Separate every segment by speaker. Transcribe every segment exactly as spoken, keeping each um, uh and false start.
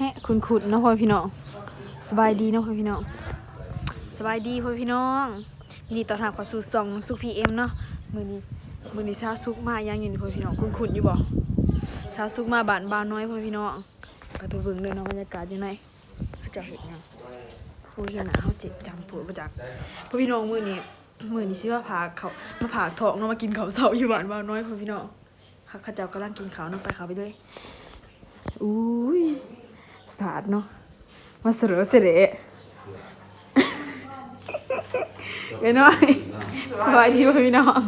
Speaker 1: ะคุณขุดเนาะพ่อพี่น้องสบายดีเนาะพ่อพี่น้องสบายดีพ่อพี่น้องยินดีต้อนรับเข้าสู่ช่องสุขพีเอ็มเนาะมื้อนี้มื้อนี้ชาวสุขมายังอยู่นี่พ่อพี่น้องคุณขุดอยู่บ่ชาวสุขมาบ้านบ่าวน้อยพ่อพี่น้องไปไปเบิ่งเด้อเนาะบรรยากาศอยู่ไหนเขาจะเฮ็ดหยังโอ้ยเห็นหน้าเฮาเจ็บจำปวดบ่จักพ่อพี่น้องมื้อนี้มื้อนี้สิว่าพาเขามาผากท้องเนาะมากินข้าวเช้าอยู่บ้านบ่าวน้อยพ่อพี่น้องเขาเจ้ากำลังกินข้าวเนาะไปเข้าไปเลยอุ้ยสาดเนาะมาเสรอเสร็จเดี๋ยวน้อยสบายดีพี่น้อง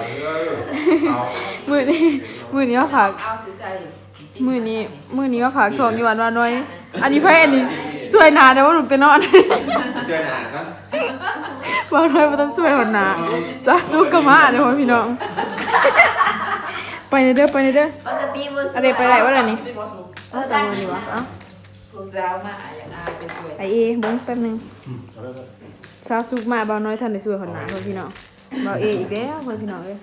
Speaker 1: มือนี้มือนี้ว่าผักมือนี้มือนี้ว่าผักทองอยู่วันวันน้อยอันนี้ไพ่อันนี้สวยนาแต่ว่าหนูเป็นนอน
Speaker 2: สวยนาก็
Speaker 1: วันน้อยมันต้องสวยหัวหนาซาซุกกะมาเดี๋ยวพี่น้องไปในเด้อไปในเด้ออะไรไปไหนวะอะไรนี่เอาจังเลยดีวะเอ้า
Speaker 3: ลูกสาวมาอย่างอาเป็นสวย
Speaker 1: ไอเอเบิ้งแป๊บนึงซาซุกมาบ่าวน้อยทันได้สวยหัวหนาเพื่อนพี่น้องบ่าวเออีกแล้วเพื่อนพี่น้องเลย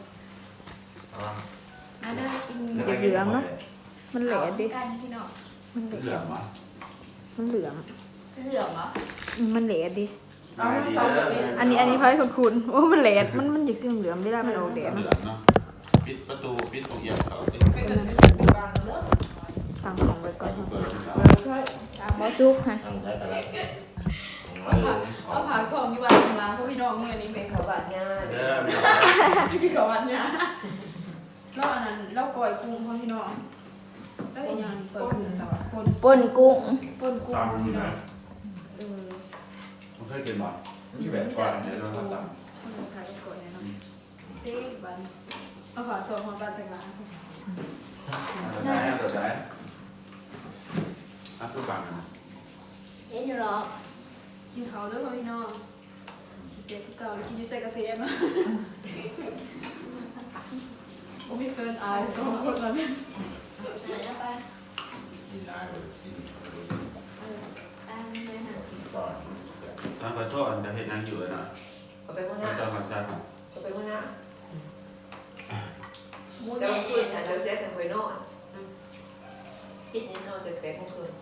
Speaker 1: เหลืองเนาะมันแหลดดิมันเหลืองมันเหลือง
Speaker 3: เหลืองเหรอ
Speaker 1: มันแหลดดิอันนี้อันนี้ไพ่คุณคุณโอ้มันแหลดมันมันหยิกสีเหลืองไม่ได้มันออกแดดเนาะ
Speaker 2: ปิดประตูปิดตรงเอียงเขา
Speaker 1: ตั้งของไว้ก่อนบ่ซุกค่ะเอาผักทองอยู่บ้านล้างพวกพี่น้องเมื่อนี้เป็นข้าวบาดหญ้าพี่ข้าวบาดหญ้าแล้วอันนั้นแล้วก้อยกุ้งพวกพี่น้องแล้วอีกอย่างก้อยกุ้งแต่ว่าป่น
Speaker 3: ป่นกุ้ง
Speaker 1: ป่นกุ้งพี่น้องเออ
Speaker 2: ผมเคยกินบ่ที่แบบก่อนเดี๋ยวเราทำตาม
Speaker 1: ไทยก่อนเนาะเซ่บันเอาผักทองมาบ้านแต่งร้าน
Speaker 2: ได้ได้ได้อ่ะทุกอย่างนะ
Speaker 3: เห็นอยู่หรอ
Speaker 1: กินเขาด้วยพี่น้องเสียที่เก่ากินยูเซกเซียมาผมไม่เคยอายสองคนแล้วเนี่ย
Speaker 2: ทางกระโจนจะเห็นนางอยู่เลยนะ
Speaker 4: เอาไปข้างหน้า
Speaker 2: จะมาชัด
Speaker 4: เอาไปข้างหน้าเดี๋ยวคืนอ่ะเดี๋ยวเซ็ตแต่คอยนอนปิดนิดนอนแต่แฝงคืน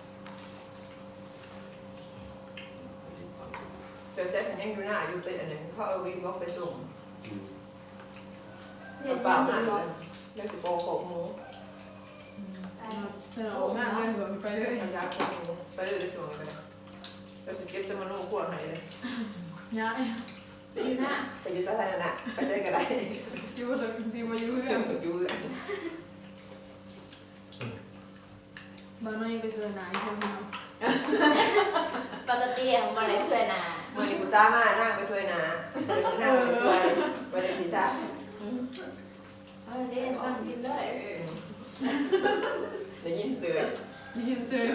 Speaker 4: เดี๋ยวเซ็ตสัญญาณอยู่หน้าอยู่เป็นอันนึงเพราะเอาวิ่งบล็อกไปส่งเปล่าหน้าเลยแล้วจะโปโขกหมู
Speaker 1: เออหน้าเลยเหมือนไปเรื่อย
Speaker 4: ยาโขกหมูไปเรื่อยส่งไปแล้วจะเก็บจะมาโน้ขวดไหนเลย
Speaker 1: ย้าย
Speaker 4: ไปอยู่หน้าไปอยู่สถานะไปได้ก็ได้
Speaker 1: จิ้วตัวจริงๆมาอยู่เรื่อง
Speaker 4: อยู่เรื่อง
Speaker 1: บ้านน้อยไปเสือหนาใช่ไหม
Speaker 3: ปกติของมันเลยสวยนา
Speaker 4: เมื่อนี้กูซ่ามานั่งไปช่วยนานั่งไปช่วยไปเด็กศีรษะ
Speaker 3: เออเด็กนั่งกินเลย
Speaker 4: ได้ยินเสือ
Speaker 1: ได้ยินเสือ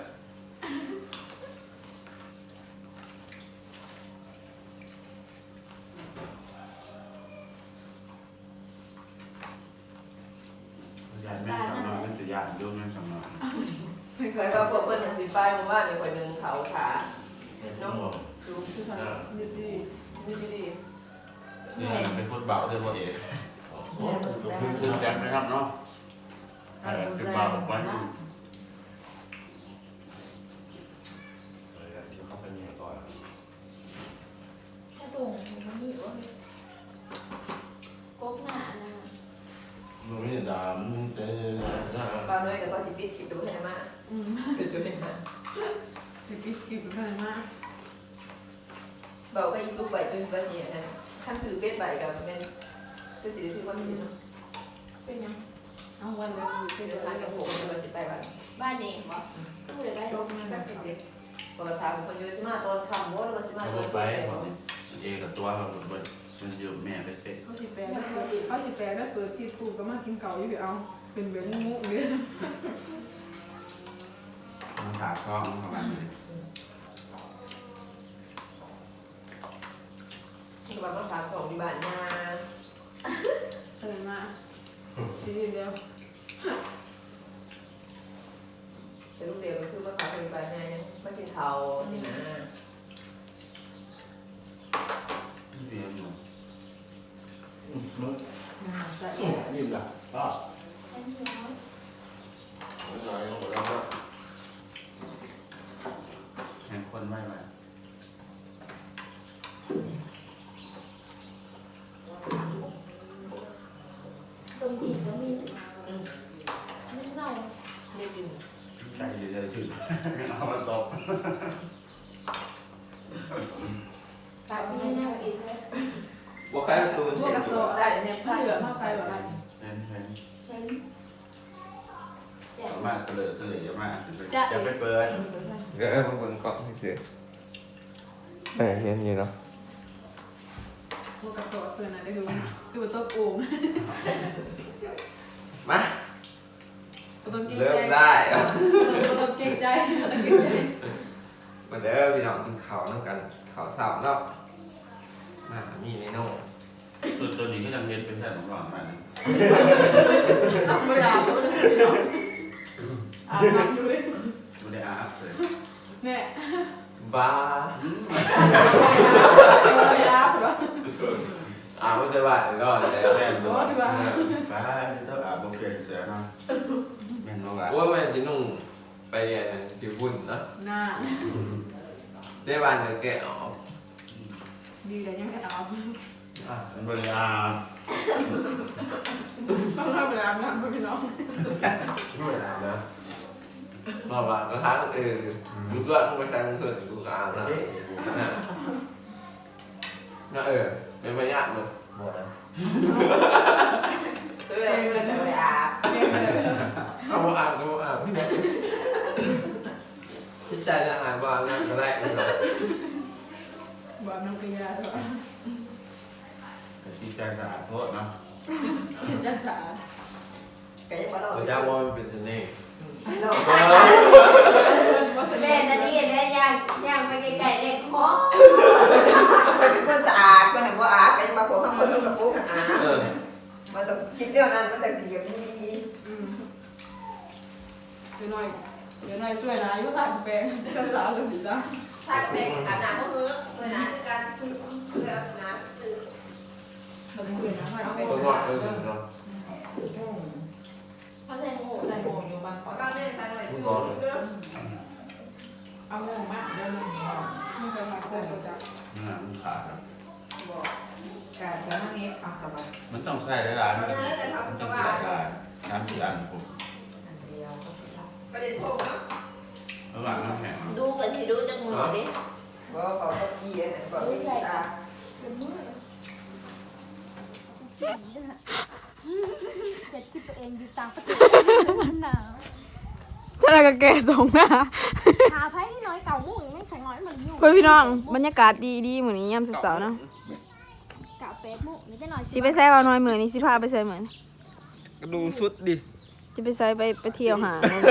Speaker 2: ยานแม่ทำนอนเป็นตัวยานยุ่งแม่ทำนอน
Speaker 4: เคยก็พวกเพื่อนอย่างสีฟ้าหมู่บ้านในคนหนึ่งเขาขาน้องสูงคือเขาดีดีดีดี
Speaker 2: นี่เป็นคนเบาด้วยพ่อเอ๋คือคือแจกไม่ทำเนาะคือเบาไป
Speaker 3: ถ้าตรงมันมีว่ากบหนานะ
Speaker 5: มันไม่ดามมันจะน่า
Speaker 4: บางเลยแต่ก็สิปิดคลิปดูใช่ไหมเป็นส่วนหนึ่ง
Speaker 1: สิปิดคลิปไปมาก
Speaker 4: เบาก็ยิ่งรู้ไปจนกว่านี้นะขั้นสื่อเป็ดใบกับแม่ก็สิถือว่าเป็นเนาะ
Speaker 3: เป็นยัง
Speaker 1: เอาวันละสิ
Speaker 4: เป็นร้านกับผมเราจะไปบ้าน
Speaker 3: บ้านนี้บอกต้องเลยได้
Speaker 4: ลงนั่นเป็นเด็กภาษาคนเยอะใช่ไหมตอนคำว่าเราใช่ไหมตอน
Speaker 2: ไปเอกับตัวเรามันมันอยู่แม่ไปเสร็จ
Speaker 1: เขาสิแปลแล้วเขาสิแปลแล้วเปิดที่ตู้ก็มากินเก่าอยู่เอาเป็นแบบมุ้งเลย
Speaker 2: มันขาดท้องประมาณนี้
Speaker 4: ที่บ้านภาษาของที่บ้านนา
Speaker 1: อะไรมาทีเดียว
Speaker 4: จะลูกเดียวก็คือภาษาที่บ้านนายังไม่กินเทาสินะ
Speaker 2: เรียนอยู่
Speaker 5: นิ่มละป้าไม่น้อยของเรา
Speaker 4: ไม่กิน
Speaker 2: ใช่เลยชื่อเอามาตบ
Speaker 3: ไก่ไม่น่ากินเลย
Speaker 5: ว่าใครตัว
Speaker 4: พวกกระโซได้เนี่ยผ้าเหลืองผ้าไก่แบบนั้น
Speaker 2: เห็นเห็นมากเสลอเสลอมากจะไปเปิด
Speaker 6: เออมันเป็นกล่องที่ซื้อเออเห็นอยู่เนาะ
Speaker 4: พวกกระโซส่วนนั้นได้ดูดูโต๊ะกู
Speaker 6: มา
Speaker 4: ต้องเก่ง
Speaker 6: เริ่
Speaker 4: ใจ
Speaker 6: มได้
Speaker 4: ต้องเก่งใจต้องเก่งใจ
Speaker 6: มาเด้อพี่น้องกินข้าวน้ำกันข้าวสาวเนาะมามีเมนู
Speaker 2: ตัวตัวนี้ก็ยังเห็นเป็นแค่หลอนมาเนี่ย
Speaker 4: ต้องไม่ได้เขาจะพูดหรอกอ่านดูเลย
Speaker 2: ไม่ได้อาบเลย
Speaker 4: เนี่ย
Speaker 6: บ้า
Speaker 4: ไม่ได้หรอ
Speaker 6: อ่าไม่เคยว่าเลยก็เลย
Speaker 2: แม่ตัวฟ้าต้องอาบโอเคเสียนะแม่นว่า
Speaker 6: ว่าแม่จะนุ่งไปเรียนที่บุญเนาะ
Speaker 4: หน้า
Speaker 6: ได้บ้านจะแกะออก
Speaker 4: ดีแต่ยังไม่เอา
Speaker 2: มันบริอาบ
Speaker 4: ต้องทำเวลาน้ำพี่น้อง
Speaker 6: ไม่นานนะบอกว่าก็ค้างเออดูด้วยมึงไปใส่มึงเถิดกูกลางนะน่ะน่ะเออเป็นไปยากเลย
Speaker 5: หมดแล้ว
Speaker 4: ตัวเองเลยแต่ไม่อาบเองเลย
Speaker 6: เอาอ่านก็อ่านพี่เนี่ยคิดใจจะอ่านว่านั่นก็ได้ไม่หรอก
Speaker 4: บอกน้องปีละตัว
Speaker 2: ที่ใจสะอาดโทษเนาะ
Speaker 4: จะสา
Speaker 7: ก็ยังบ่รอ
Speaker 6: พระเจ้าว่ามันเป็นเสน่ห์
Speaker 3: แม่จะนี่ได้ย่างย่างไปไกลๆเล็กคอ
Speaker 7: เป็นคนสะอาดคนไหนบ่อาดก็ยังมาพวกข้างบนกับปุ๊กอาด
Speaker 6: เออ
Speaker 7: มันต้องคิดเรื่องนั้นมันต้องสิแบบนี้
Speaker 4: อืมเดี๋ยวหน่อยเดี๋ยวหน่อยช่วยนะยุ่งขาดแปลงกันสาวกันสิจ้า
Speaker 7: ถ้าเป็นอาบน้ำก็คือเวลาคือการเพื่อน้ำคือ
Speaker 4: เราไปช่วยนะเอาไป
Speaker 6: คนว่าเออเนาะ
Speaker 3: เขาใส่หมูใส่หมูอยู่บางคน
Speaker 7: ก็เล่นกันหน่อย
Speaker 4: เอาหมูมากเดี๋ยวหมูไม่ใช่มาโคตรจับ
Speaker 2: นี่มันขาดครับ
Speaker 7: บอกการแล้วนั่งนี้เอากลับมา
Speaker 2: มันต้องใส่ได้หลายมันต้องใส่ได้น้ำกี่อันผม
Speaker 7: เดียวก็สิครับประเด็นโทษเนาะ
Speaker 2: ระหว่างน้ำแข็ง
Speaker 3: ดูกันที่ดูจากมือดิ
Speaker 7: บอกเขาก็เกียร์นะบอกวิธีการ
Speaker 8: จะคิดตัวเองอยู่ต่างประเทศมันหนาว
Speaker 1: ฉันน่ะก็แก่สองหน้า
Speaker 8: หาไพ่น้อยเก่าหมู่ไม่ใส่น้อยมันอยู่
Speaker 1: เพื่อนพี่น้องบรรยากาศดีดีเหมือนนี้ยามเสาร์ๆเนาะ
Speaker 8: เก่าเป็ดหมู่นี่จะน้อย
Speaker 1: สิไปใส่เอาหน่อยเหมือนนี้สิพาไปใส่เหมือน
Speaker 6: ก็ดูสุดดิ
Speaker 1: จะไปใส่ไปไปเที่ยวหา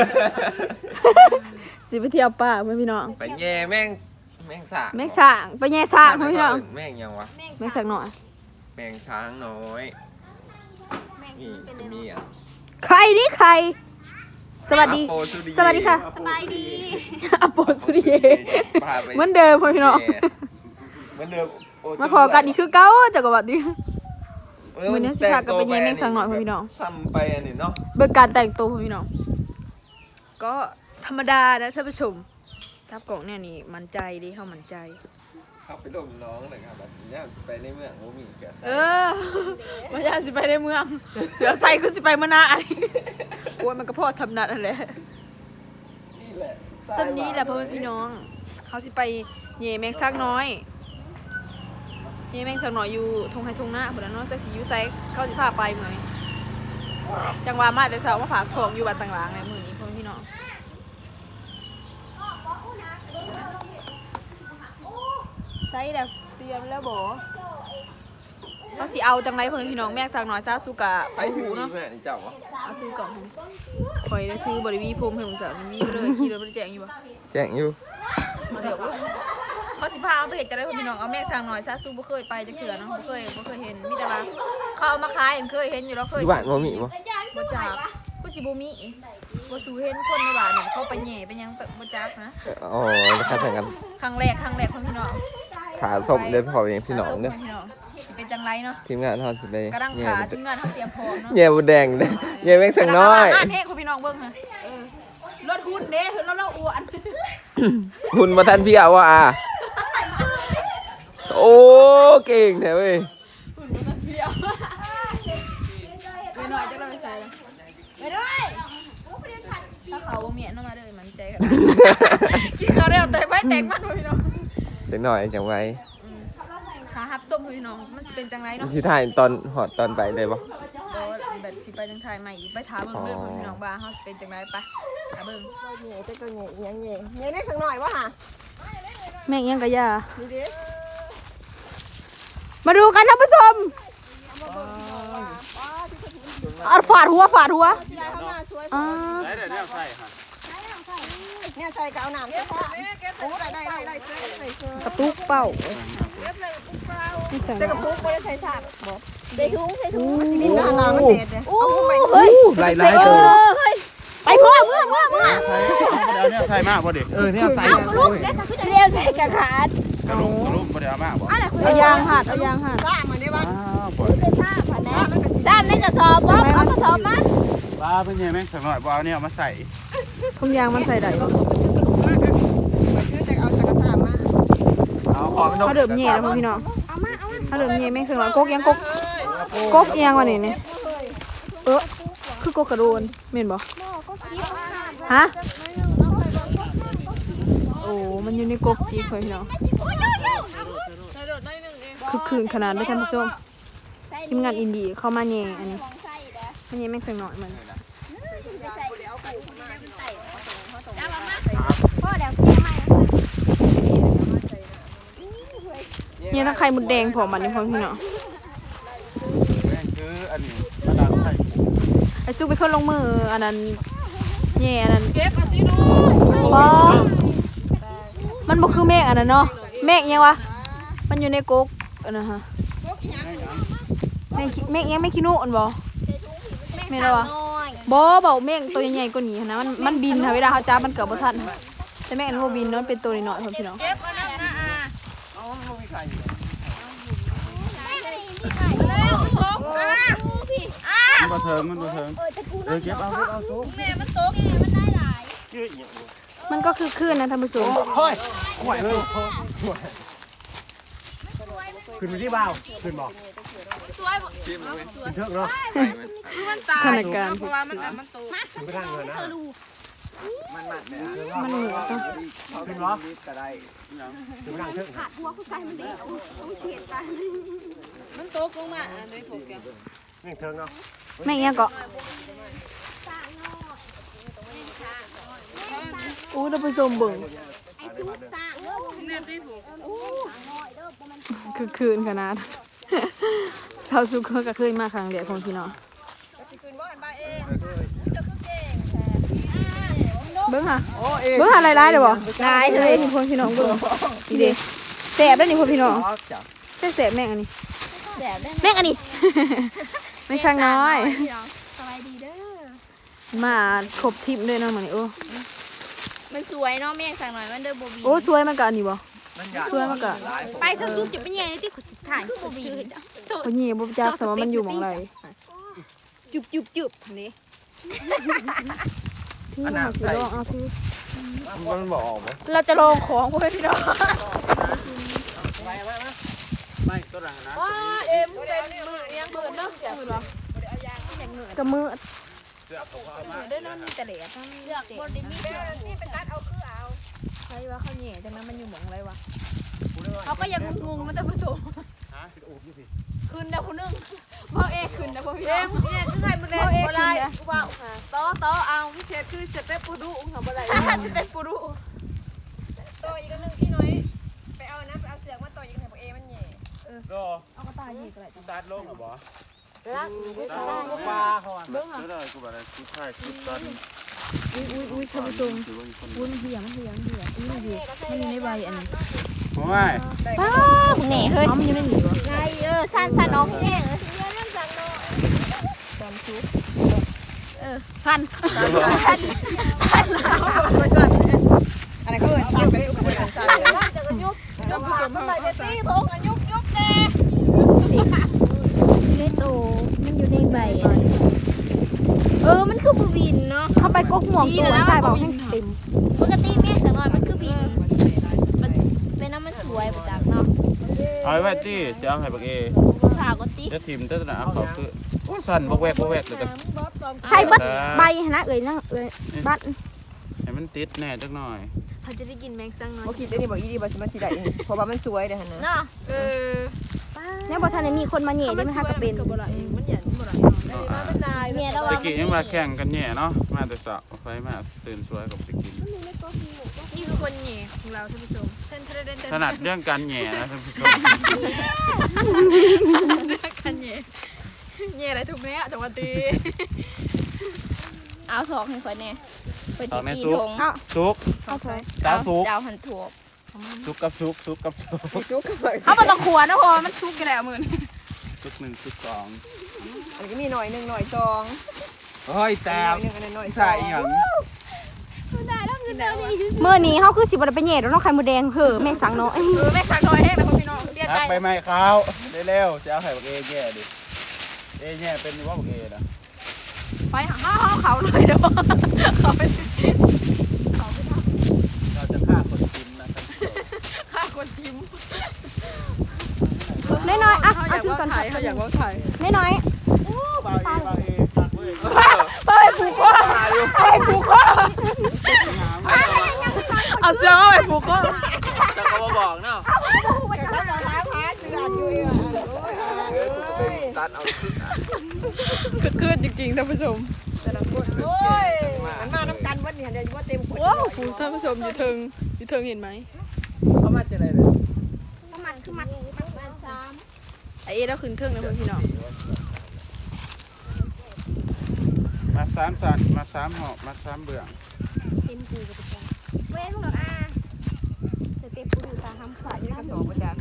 Speaker 1: สิไปเที่ยวป่าเพื่อนพี่น้อง
Speaker 6: ไปแย่แม่งแม่งสาก
Speaker 1: แม่งสางไปแย่สางเพื่อนพี่น้อง
Speaker 6: แม่งยังวะ
Speaker 1: แม่งสักหน่อย
Speaker 6: แม่งช้างน้อย
Speaker 8: แม่ง
Speaker 6: นี่
Speaker 8: เป็น
Speaker 6: ก็มีอ่ะ
Speaker 1: ใครนี่ใคร สวัสดี
Speaker 6: อโปสุริเย
Speaker 1: สวัสดีค่ะ
Speaker 8: สบายดี
Speaker 1: อโปสุริเย
Speaker 6: พาไป
Speaker 1: เหมือนเดิมเพื่อนพี่น้อง
Speaker 6: แย่เหมือนเดิมโ
Speaker 1: มาพอกันนี่คือเก้าจักรวรรดิ มื้อนี้สิพากันไปแย่แม่งสักหน่อยพ่อพี่น้อง
Speaker 6: ซ้ำไปอันนี้เนาะ
Speaker 1: เบิกการแต่งตัวเพื่อนพี่น้อง ก็ธรรมดานะท่านผู้ชมทับกล่องเนี่ยนี่มันใจดิเข้ามันใจ
Speaker 6: เข้าไปดมน้องหน่อยครับแบบนี้ไปในเมืองโมมีเสีย
Speaker 1: เออมาอยากสิไปในเมือง เสือใส่กูสิไปมานาอันนี้โอ้ยมันก็พอทำนัดนั่นแหละ
Speaker 6: นี่แหละ
Speaker 1: สำนี้แหละพ่อแม่พี่น้องเขาสิไปเหย่แมงซักน้อยเหย่แมงซักน้อยอยู่ทงไฮทงหน้าพุ่นน่ะเนาะจักสิอยู่ไสเขาสิพาไปเมื่อยจังหวะมาแต่เช้ามาฝากของอยู่บ้านต่างหลังในมื้อนี้พ่อแม่พี่น้องไสแล้วเตรียมแล้วบ่เขาสิเอาจังไรพ่อแม่พี่น้องแมงซักน้อยซาสุกะ
Speaker 6: ไป
Speaker 1: ไป
Speaker 6: ถึ
Speaker 1: หู
Speaker 6: ง
Speaker 1: เนาะ
Speaker 6: นี่แม่นี่เจ้าวะ
Speaker 1: เอาถือกล่องให้คอยนะถือบริวีพรมให้มึงเสาร์มีเลยขี่รถไปแจงอยู่ปะ
Speaker 6: แจ้งอยู่
Speaker 1: เดี๋ยวเขาสิพาเอาไปเห็ดจะได้พ่อพี่น้องเอาแม่สั่งหน่อยซาซูบ่เคยไปจักเถื่อเนาะบ่เคยบ่เคยเห็นมีแต่ว่าเขาเอามาขายเห็นเคยเห็นอยู่แล้วเคย
Speaker 6: ที่บ้านโมมีบ่
Speaker 1: บ่จักกูสิบ่มีบ่สูเห็นคนในบ้านเนี่ยเขาไปแหย่ไปหยังบ่จักนะ
Speaker 6: อ๋อราคาแข่งกัน
Speaker 1: ครั้งแรกครั้งแรกพ่อพี่น้อง
Speaker 6: ขาศพเลยพอเองพี่น้อง
Speaker 1: เนี่
Speaker 6: เนี่ย
Speaker 1: พี่น้องสิเป็นจังไรเนาะ
Speaker 6: ทีมงานทอดสิไป
Speaker 1: กระดัง
Speaker 6: แย่
Speaker 1: ขาทีมงานเขาเตรียมพร้อมเนาะ
Speaker 6: แย่บุแดงเลยแย่แม่งสังน้อย
Speaker 1: อ่านให้คุณพี่น้องเบิ่งค่ะเออรถหุ้นเด้เห็นแล้วเราอ้วน
Speaker 6: หุ่นมาทันพี่เอาว่ะอ่ะโอ้เก่งแท้เว้ย
Speaker 1: หุ่นมันเพียวไปหน่อยจะเราไปใส่เลยไปด้วยงี้ยน้องมาเด้อมันใจกันกินข้าวแล้วแตกไว้แตกมันพี่น้อง
Speaker 6: จังหน่อยจังไว้
Speaker 1: หาฮับส้มพี่น้องมันจะเป็นจังไรเนาะ
Speaker 6: ที่ถ่ายตอนหอดตอนไปเลยบ่
Speaker 1: แบบสิไปจังไทยใหม่อีกไปถามเบิ่งเรื่องพี่น้องบ้าเฮาเป็นจังไรไปหาเบิ่ง
Speaker 4: เหนื่อยแต่ก็เหนื่อยยังเหนื่อยเหนื่อยได้สักหน่อยวะฮะ
Speaker 1: แม่งยังกะยา
Speaker 4: ดูดิ
Speaker 1: มาดูกันท่านผู้ชมเอาฝาดหัวฝาดหัว
Speaker 4: ที่ได้ข้างหน้าช่วย
Speaker 1: อ่า
Speaker 2: ได้เดี๋ยวเนี่ยใส่ค่ะ
Speaker 4: เนี่ยใส่กาวน้ำใช่ปะโอ้ได้ได้ได้ได้ใส่ใส่เสื้อก
Speaker 1: ระตุกเป้า
Speaker 4: ใส่กระปุกไม่ได้ใส่สากบอก
Speaker 8: ใส่ถุงใส่ถุง
Speaker 4: สิบินกับน้ำมันเด็ดเนี่ยเอาขึ้นไป
Speaker 8: เฮ้ย
Speaker 6: ไล่ไล่ตัว
Speaker 8: ไปพ่อเมื่อเมื่อเมื่อ
Speaker 2: ใส่เดี๋ยวเนี่ยใส่มากพอดี
Speaker 6: เออเนี่ยใส่
Speaker 8: ลูกได้สักเดียวใส่กระขาด
Speaker 2: กระลุกกระลุกพอดีเอามากบ่
Speaker 1: เอายางหัดเอายางหัด
Speaker 4: ว่ามันได้ปะ
Speaker 2: อ้าวปล่อย
Speaker 8: เป็นผ้าผ่านแน่ด้านในกระสอบบ๊อบเอากระสอบมา
Speaker 2: บ้าเป็นยังไงสักหน่อยบ่เอาเนี่ยมาใส่
Speaker 1: ทุ่งยางมันใส่ได้บ่
Speaker 4: คือจะเอาจักรตามมา
Speaker 6: เอาของ
Speaker 1: เขาเดิมแย่แล้วพี่น้องเขาเดิมแย่แม่งสงสัยกกยังกกกกยังวะนี่นี่เออคือกกกระโดนเม่นบ่ฮะโอ้มันอยู่ในกกจีพี่น้องคือคืนขนาดได้ท่านผู้ชมทีมงานอินดี้เข้ามาแย่อันนี้มันแย่แม่งสงหน่อยมัน
Speaker 8: พ่อเดี๋ยวเที่ยงใหม่
Speaker 1: เนี่ยถ้าไข่มดแดงพอมันนี่พอพี่น้อง
Speaker 2: แม่งคืออันนี้มาดังใส่
Speaker 1: ไอ้ซุกไปคนลงมืออันนั้นแย่อันนั้น
Speaker 4: เก็บเอาสิลูก
Speaker 1: บ่มันบ่คือเมฆอันนั้นเนาะเมฆยังวะมันอยู่ในกกอันนั้นฮะเมฆเมฆยังไม่ขี้นูอันบ่เมฆอะไรวะบ่เบาเมฆตัวใหญ่ๆกว่านี้หั้นนะมันมันบินค่ะเวลาเขาจับมันเกือบบ่ทันค่ะแต่เมฆอันบ่บินเนาะมันเป็นตัวน้อยๆพอพี่น้อง
Speaker 4: เก็บเอาน้ำนะอ่ะ
Speaker 2: เอามันบ่มีไข่ มันบ่เทิงมันบ่เทิงเออเก็บเอาเก็บเอาซุก
Speaker 1: มันก็คือคลื่นนะท่านผู้ชม
Speaker 5: เฮ้ยไหวเลยขึ้นไปที่บ่าวขึ้นบอกขึ้นเทือกเนาะ
Speaker 1: สถานการณ์
Speaker 4: เพราะว่ามันมันโต
Speaker 5: ขึ้นไปทางเงินนะ
Speaker 1: มันเหนื่อยต้อง
Speaker 5: ขึ้นเหรอก็ได้ขึ้นไปทางเทือก
Speaker 4: มันโตลงมาอันนี้พวกแก
Speaker 5: นี่เทือกเนาะ
Speaker 1: แม่งยังเกาะโอ้ท่านผู้ชมเบิ่ง
Speaker 4: เนี่ยที่พวก
Speaker 1: คือคืนขนาด ชาวซุกก็เคยมาครั้งเดียวของพี่น้อง
Speaker 4: สิคืนบ่หันบ้าเอง
Speaker 1: เบิ้งค่ะเบิ้งหาลายลายเดี๋ยวบ่ลายเลยนี่พวกพี่น้องเบิ้งนี่เด้แสบได้นี่พวกพี่น้องแซ่แสบแม่งอันนี้
Speaker 8: แสบได้
Speaker 1: แม่งอันนี้ ไม่ช่างน้อย
Speaker 8: สบายดีเด้อ
Speaker 1: มาครบทิปเลยเนาะมื้อนี้โอ้
Speaker 8: มันสวยเนาะแม่สั่งหน่อยมันเด้อบ่บี
Speaker 1: โอ้สวยมันก็อันนี้บ่สวยมันก็
Speaker 8: ไปซะซุกจะไปแย่งในที่ขดสุดท้ายคือบ่บี
Speaker 1: คนนี้บ่จักแต่ว่ามันอยู่หม่องใด
Speaker 8: จุบจุบจุบนี่
Speaker 1: นี่มาสิลองเอาสิ
Speaker 6: มันบอกออกไหม
Speaker 1: เราจะลองของพวกพี่น้อง
Speaker 2: ไม่ตัวหลังนะ
Speaker 4: ว้าเอ็มเป็นมือยังมือเนาะมือหรอ
Speaker 1: กับมือ
Speaker 8: เด้อเนาะมีแต่เหลือทั้งเลือกบ่ได้มีเสื้อ
Speaker 4: นี่เป็นการเอาคือเอา
Speaker 1: ใช่ว่าเขาแหน่จังนั้นมันอยู่หม่องไรวะเขาก็ยังงงๆมันแต่ผู้ชมคืนเด้อผู้นึงพ่อเอกคืนเด้อพ่อพี่น้
Speaker 4: เอ็
Speaker 1: อง
Speaker 4: มเนี่ยคือใครมันเล่นบ่ได้กูว่าต่อต่อเอาเช็ดคือเช็ดได้ปูดูอุ้งทำอะไร
Speaker 1: สเต็ปกูรู้
Speaker 4: ต่ออีกนึงที่น้อยไปเอานะไปเอาเสือกมาต่ออีกให้พวกเอมันแย่
Speaker 2: ก็
Speaker 1: เอากระต่ายยีกอะไร
Speaker 2: ตัดลงเหรอบ่
Speaker 4: รัก
Speaker 2: ตัดลงปลาเขาอ่ะเบิ่งอ่ะได้กูบ่ได้กูถ่ายคลิปตอน
Speaker 1: อุ้ยอุ้ยอุ้ยท่านผู้ชม
Speaker 2: ถือว่ามีคน
Speaker 1: วุ้นเหี่ยมันเหี่ยมันเหี่ยอุ้ยดีมันอยู่ในใบอันนี้
Speaker 2: โอ้ย
Speaker 1: ป้าแหน่เฮ้ยมันอยู่ในหนีวะ
Speaker 8: ไงเออสั่นสั่นน้องแห้งเออสั่น
Speaker 4: อะไรก็เอินสั่นไปทุกคนสั่นเลยจะก็ยุบยุบผสมมันไปจะตีพงกันยุบยุบแน่
Speaker 8: ในโตมันอยู่ในใบเออมันคือบ่บินเนาะ
Speaker 1: เข้าไปกกห่วงตัวใส่บอกให้เต็ม
Speaker 8: ปกติแม่สั่งหน่อยมันคือบินมันเป็นน้ำมันสวยบ่จักเนาะ
Speaker 2: เอาไว้ตี้จะเอาให้บักเอ
Speaker 8: ข่าวก็ติ
Speaker 2: จะทิมแต่ละเอาเขาคือโอ้สั่นบ่แวกบ่แวกเลยกัน
Speaker 1: ใส่บัดใบนะเอ่ยนั่งเอ่ยบัด
Speaker 2: ให้มันติดแน่จักหน่อย
Speaker 1: เขาจะได้กินแมงสังน้อย
Speaker 7: บ่คิดได้นี่บ่อีดีบ่สิมาสิได้นี่เพราะว่ามันสวยเด้อหั่นนะ
Speaker 8: เนาะ
Speaker 1: เออ
Speaker 8: เนี่ยบ่ทันได้มีคนมาแหย่ได้มั้ยคะก็เป็น
Speaker 1: บ่ได้มันหยันบ่ได้
Speaker 8: เมียแล้ว
Speaker 2: ตะ
Speaker 8: ว่า
Speaker 2: กี้ยังมาแข่งกันแย่เนาะมาแต่สาวไฟมาตื่นสวยกับตะกี้
Speaker 1: นี่คือคนแหย่ของเราท่านผู้ชมเต้นเทรเดนเต้น
Speaker 2: ถนัดเรื่องการแย่นะท่านผู้ชม
Speaker 1: เรื่องกันแหย่แหย่อะไรถูกแม่จังหวัดตี
Speaker 8: เอาถอกให้ข่อยแน่เพิ่น
Speaker 2: ตอ
Speaker 8: สิ
Speaker 2: นใน
Speaker 8: ตี
Speaker 2: ซุก
Speaker 8: ทง
Speaker 2: ซุก
Speaker 1: เอาถอย
Speaker 2: ตาซุก
Speaker 8: ดาวหันถวก
Speaker 2: ซุกกับซุกซุกกับซุก
Speaker 7: จุกก็บ่
Speaker 1: เอามาต้องขวนะพอมันชุกกันแล้วมือนี่
Speaker 2: ซุกหนึ่งซุกสอง
Speaker 7: อันนี้ก็มีหน่อยหนึงหน่อยสอง
Speaker 2: เฮ้ยแต่
Speaker 7: หน่อยหนึงอันนั้นหน่อยสอ
Speaker 2: ใส่
Speaker 7: ง
Speaker 2: หยัง
Speaker 8: มื้อนี้เฮาคือสิบ่ได้ไปแหย่ดอกเนาะไข่มดแดงเพ้อแม่งสังเนาะ
Speaker 1: เออแม่ขาน้อยแห้งนะพี่น้องเสียใจ
Speaker 2: ทักไปไหมเขาเร็วๆจะเอาไข่บักเอแย่ดิเอแย่เป็นว่าบักเอนะ
Speaker 1: ไปหาห้าห้าเขาเลยเดี๋ยวเขาไป
Speaker 2: เราจะฆ่าคนกินนะท่านผู้ชม
Speaker 1: ฆ่าคนทิม
Speaker 8: น้อยๆอ่ะ
Speaker 1: เขาอ
Speaker 8: เอา
Speaker 1: ยาก
Speaker 8: ถือ
Speaker 1: ว่า
Speaker 8: ก่อน
Speaker 1: ถ่ายเขาอยากว่าถ่าย
Speaker 8: น้อย
Speaker 2: บาเอบาเอตักเว้ย
Speaker 1: เฮ้ยผูกคอเฮ้ยผูกคอเอาเสื้อมาไปผูกคอ
Speaker 6: จะก็มาบอกเนาะ
Speaker 7: ก็จะล้างหาเสื้ออยู่อ่ะโอ้ย
Speaker 6: ตัดเอาชุดอ่ะ
Speaker 1: คือคืนจริงๆท่านผู้ชม
Speaker 7: แต่ละคนโอ้ยมันมาน้ำกันวันนี้เดี๋ยวว่าเต็มคน
Speaker 1: ว้าวท่านผู้ชมอยู่เทิงอยู่เทิงเห็นไหม
Speaker 6: เขามาจะอะไรเลย
Speaker 8: ๆประมาณคือมัดประมาณสาม
Speaker 1: ไอเอแล้วขึ้นเทิงนะเพื่อนพี่น้อง
Speaker 2: มาสามสันมาสามหอกมาสามเบื่อง
Speaker 8: เต็มกูกับจ้าเว้ยพวกเราอ่ะสเต็ปกูอยู่ตาทำขวาอยู่
Speaker 7: กระ
Speaker 8: น้ำ
Speaker 7: สอบประจักษ์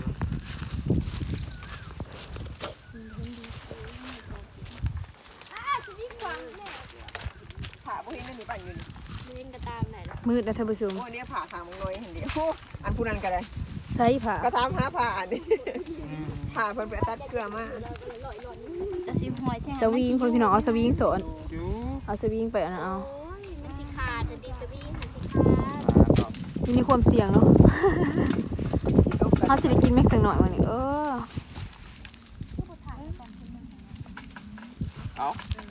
Speaker 7: ผ่าพวกนี้นั่นนี่ปั่นอยู่นี่
Speaker 8: เล่นกระตามไหนล่ะ
Speaker 1: มืดนะท่านผู้ชม
Speaker 7: โอ้เนี่ยผ่าขางมึงน้อยเห็นเดียวอันผู้นั้นก็ได้
Speaker 1: ใช่ผ่า
Speaker 7: ก็ตามหาผ่าอันนี้ผ่าเพิ่นไปตัดเกลือมา
Speaker 8: จะซิมหอยใช่ไหม
Speaker 1: สวิงคนพี่น้องเอาสวิงสอน
Speaker 2: จู
Speaker 1: เอาสวิงไปเอานะเอา
Speaker 8: โอ้ยมันสิขาดจะดีสวีมันสิขาด
Speaker 1: มันมีความเสี่ยงเนาะเขาสิได้กินแม็กซ์สักหน่อยวันนี้เออ
Speaker 2: เอา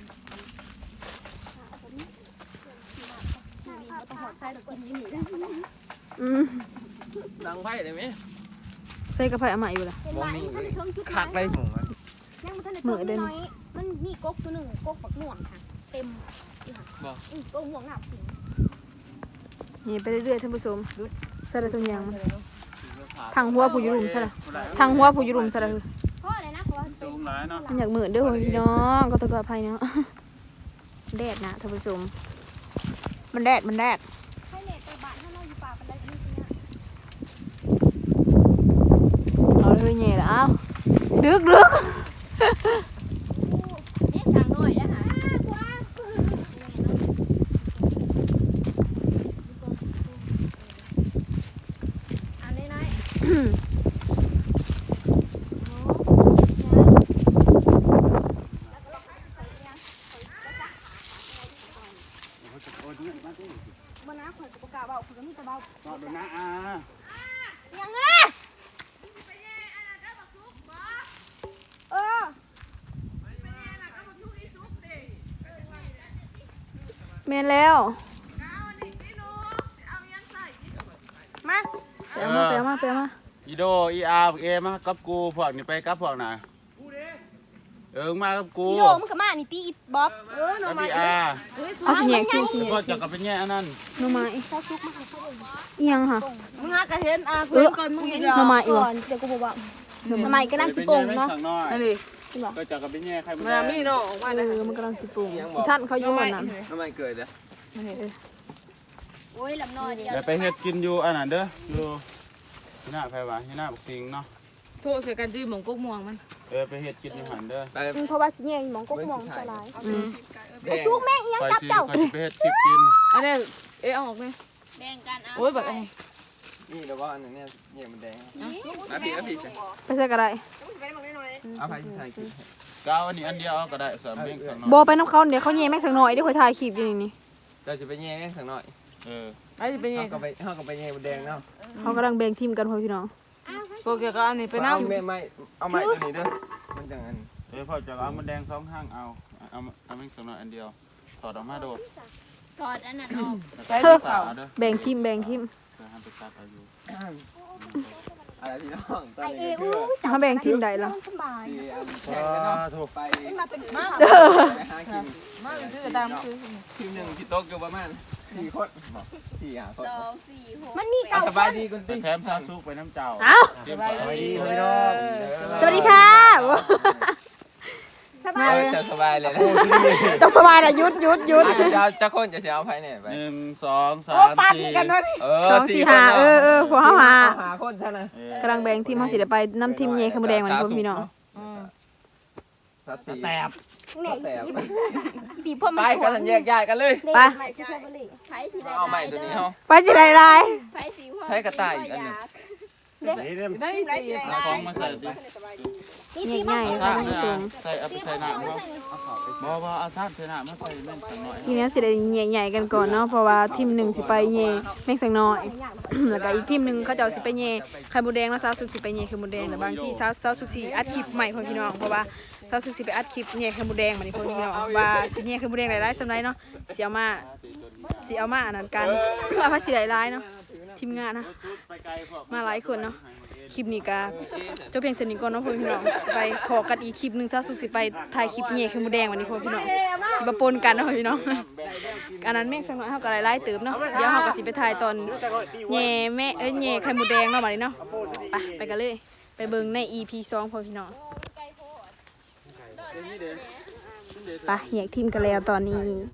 Speaker 1: อืม
Speaker 6: ดังไพ่ได้ไหม
Speaker 1: ใส่กระเพราใหม่อยู่ล่ะ
Speaker 8: เป็นไรมันเทิงจุด
Speaker 6: คักได้ผมมัน
Speaker 8: ยังมันทันได้
Speaker 1: เหมื
Speaker 8: ตัว
Speaker 1: อนเดิม
Speaker 8: น้อยมันมีกกตัวหนึ่งกกปักหน่วงค่ะ เต็มอยู่ค่ะอือกกหน่วงหนักสิ
Speaker 1: นี่ไปเรื่อยๆท่านผู้ชมใส่ละตัวอย่างมันทางหัวผู้อยุรุมใช่ละทางหัวผู้อยุรุมใช่ละคือ
Speaker 8: เพราะอะไรนะเพราะว่า
Speaker 2: จูงหลายเนาะ
Speaker 1: มันอยากเหมือนเด้อพี่น้องก็ต้องกระเพราเนาะแดดนะท่านผู้ชมมันแดดมันแดด
Speaker 8: ให้เน็ตไปบ้านถ้าเราอยู่ป่ากันได้ที่นี่
Speaker 1: เอาเลยแง่ละเอาดึกดึก
Speaker 8: นี่สั่งหน่อยนะคะอันนี้น้อย มันน้าข่อยประกาศเบาข่อยก็มีแต่เบา
Speaker 2: รอดูนะอา
Speaker 8: ยังไงเออ
Speaker 1: เมนแล้วมาไปเอามาไปเอามาไปเอามา
Speaker 2: อีโดอีอาร์เอมากับกูพวกนี่ไปกับพวกน่ะเออมากับกู
Speaker 8: อีโดมึงขมานี่ตีอีบ๊อบเออหน่อ
Speaker 2: กับ
Speaker 8: ไม้
Speaker 2: อีอาร์
Speaker 1: เอาสิแง่คิวสิ
Speaker 2: แล้วก็จะกับไปแย่อันนั้น
Speaker 1: หน่อไม้
Speaker 8: ซาซุกมาให้เขาเอง
Speaker 1: อีหยังค่ะ
Speaker 3: มึงหากระเห็นอ่ะ
Speaker 1: เออหน่อไม้อีก
Speaker 8: ก่
Speaker 1: วะ
Speaker 8: อนเดี๋ยวกูบอกว่าหน่อไม้ก็นั่งสิโป่งเนาะ
Speaker 2: อันนี้ก็จะกับไปแย่ใครมัน
Speaker 3: มามีเนาะมา
Speaker 1: เอ
Speaker 3: ได้
Speaker 1: อมันกำลังสิปรุงสิท่านเขาอยู่วันนั้น
Speaker 6: ทำไมเกิดอ่ะ
Speaker 8: โอ้ยลำน้อยเดียว
Speaker 2: เดี๋ยวไปเฮ็ดกินอยู่อันนั้นเด้ออยู่ที่หน้าไผว่าที่หน้าบักติงเนาะ
Speaker 3: โทษใส่กันที่หมองกกม่วงมัน
Speaker 2: เออไปเฮ็ดกินอยู่หันเด้อ
Speaker 6: ไป
Speaker 8: เพราะว่าสิแยงหมองก็มองสลาย
Speaker 1: อืม
Speaker 6: แดง
Speaker 8: ซุกแม่งยัง
Speaker 2: คอย
Speaker 8: จับ
Speaker 2: สิ
Speaker 8: เจ้า
Speaker 2: คอยสิไปเฮ็ดคลิปกิน
Speaker 3: อันนี้เอ๊ะเอาออกไหม
Speaker 8: แบ่งกันเอา
Speaker 3: โอ้ยแบบไอ้
Speaker 6: นี่แล้วว่าอันนี้เนี่ยเนี่ยมันแดงมาผิดมาผิด
Speaker 1: ไปใส่กระไร
Speaker 6: เอาไปใส่กิน
Speaker 2: กาวอันนี้อันเดียวเอาก็ได้สามเม่งสักหน่อย
Speaker 1: บอไปน้ำเขาเดี๋ยวเขาแย่แม็กสักหน่อยเดี๋ยวคอยถ่ายคลิปอยู่นี่นี่
Speaker 6: เราจะไปแย่งสักหน่อย
Speaker 2: เออ
Speaker 3: ไอ้ที่เป็นไง
Speaker 6: เขาก็ไปเขาก็ไปแย่มันแดงเนาะ
Speaker 1: เขากำลังแบ่งทีมกันพ่อพี่น้อง
Speaker 3: โปรเกียวก็อันนี้ไป
Speaker 6: เอา
Speaker 3: น้ำ
Speaker 6: ไม่ไม่เอาไม้ตัวนี้เด้อมันจังอัน
Speaker 2: เออพอจะเอามันแดงสองข้างเอาเอาเอาเม่งสักหน่อยอันเดียวถอดออกมาโดด
Speaker 8: ไป
Speaker 3: ถอดอันนั้นออก
Speaker 1: เธอแบ่งทีมแบ่งทีม
Speaker 5: อะไรพี่น้องตอน
Speaker 8: ไอเอ
Speaker 5: นี้
Speaker 8: อู้
Speaker 1: เขาแบ่งทีมใดล่ะ
Speaker 8: สบาย
Speaker 5: ที่อันแข่งกันเนาะถูกไป
Speaker 8: มาเป็นมา
Speaker 5: ไปหากินมาคือตามคือทีมหนึ่งที่โต๊ะอยู่ประมาณสี่คนบอกสี่หาคน
Speaker 3: สองสี่หก
Speaker 8: มันมี
Speaker 5: อ่ะ
Speaker 8: เก่า
Speaker 5: สบายดีคุณติ๊ก
Speaker 2: แถมซาซุกไปน้ำเจ้า
Speaker 1: เอ้า
Speaker 5: สบายดีพี่น้อง
Speaker 1: สวัสดีค่ะ
Speaker 8: สบาย
Speaker 5: จะสบายเลยนะ
Speaker 1: จะสบายนะยุดยุดยุด
Speaker 5: จะจะคนจะเอาไพ่เนี่ยไป
Speaker 2: หนึ่งสองสามสี่
Speaker 5: เอ
Speaker 1: สองสี่ห้าเออเออพวกเขาหา
Speaker 5: หาคนใช่ไหม
Speaker 1: กำลังแบ่งทีมเขาสิได้ไปน้ำทีมเย่ขมแดงวันนี้พี่น้อง
Speaker 5: สัตว์แตบ
Speaker 8: เนี่ย
Speaker 5: แตบ
Speaker 8: ดีพ่อ
Speaker 5: ไป
Speaker 8: มัน
Speaker 5: กันแยกย้ายกันเลย
Speaker 1: ไป
Speaker 8: ไม่ใช่บริ
Speaker 3: ไผ่สีได้
Speaker 5: เอาใหม่ตัวนี้เฮา
Speaker 1: ไปสิได้ไร
Speaker 3: ไผ่สีหัว
Speaker 5: ใช้กระต่ายอีกอันหนึ่ง
Speaker 7: ได้ได้
Speaker 2: เอาของมาใส่ดิ
Speaker 8: นี่
Speaker 1: ใหญ่
Speaker 8: ตี
Speaker 1: ให
Speaker 8: มา
Speaker 1: ญ่
Speaker 2: เอา
Speaker 1: ใส่
Speaker 2: ท่านเนี่ยใส่เอาไปใส่หน้าเขาบ่บ่เอาท่านใส่หน้ามาใส่แม่นสักหน่อย
Speaker 1: ทีนี้สิได้ใหญ่ๆกันก่อนเนาะเพราะว่าทีมหนึ่งสิไปเย่แม่งสังน้อย แล้วก็อีกทีมหนึ่งเขาจะเอาสิไปเย่ไข่มดแดงแล้วซาวสุกสิไปเย่ไข่มดแดงแต่บางที่ซาวซาวสุกสิอัดคลิปใหม่พ่อพี่น้องเพราะว่าซาวสุกสิไปอัดคลิปเย่ไข่มดแดงมานี่พ่อพี่น้องว่าสิเย่ไข่มดแดงหลายๆสำไรเนาะสิเอามาสิเอามาอันนั้นกันเอามาสิหลายๆเนาะทีมงานนะมาหลายคนเนาะคลิปนี้ก็จบเพียงเท่านี้ก่อนเนาะพ่อพี่น้องสิไปพอกันอีกคลิปหนึงซาวสุกสิไปถ่ายคลิปเย่ไข่มดแดงวันนี้พ่อพี่น้องสิมาปนกันเนาะพ่อพี่น้องอันนั้นแม่งสักหน่อยเฮาก็หลายๆเติมเนาะเดี๋ยวเฮาก็สิไปถ่ายตอนเย่แม่เอ้ยเย่ไข่มดแดงเนาะบัดนี้เนาะไปไปกันเลยไปเบิ่งใน อี พี สองพ่อพี่น้องไปแยกทีมกันแล้วตอนนี้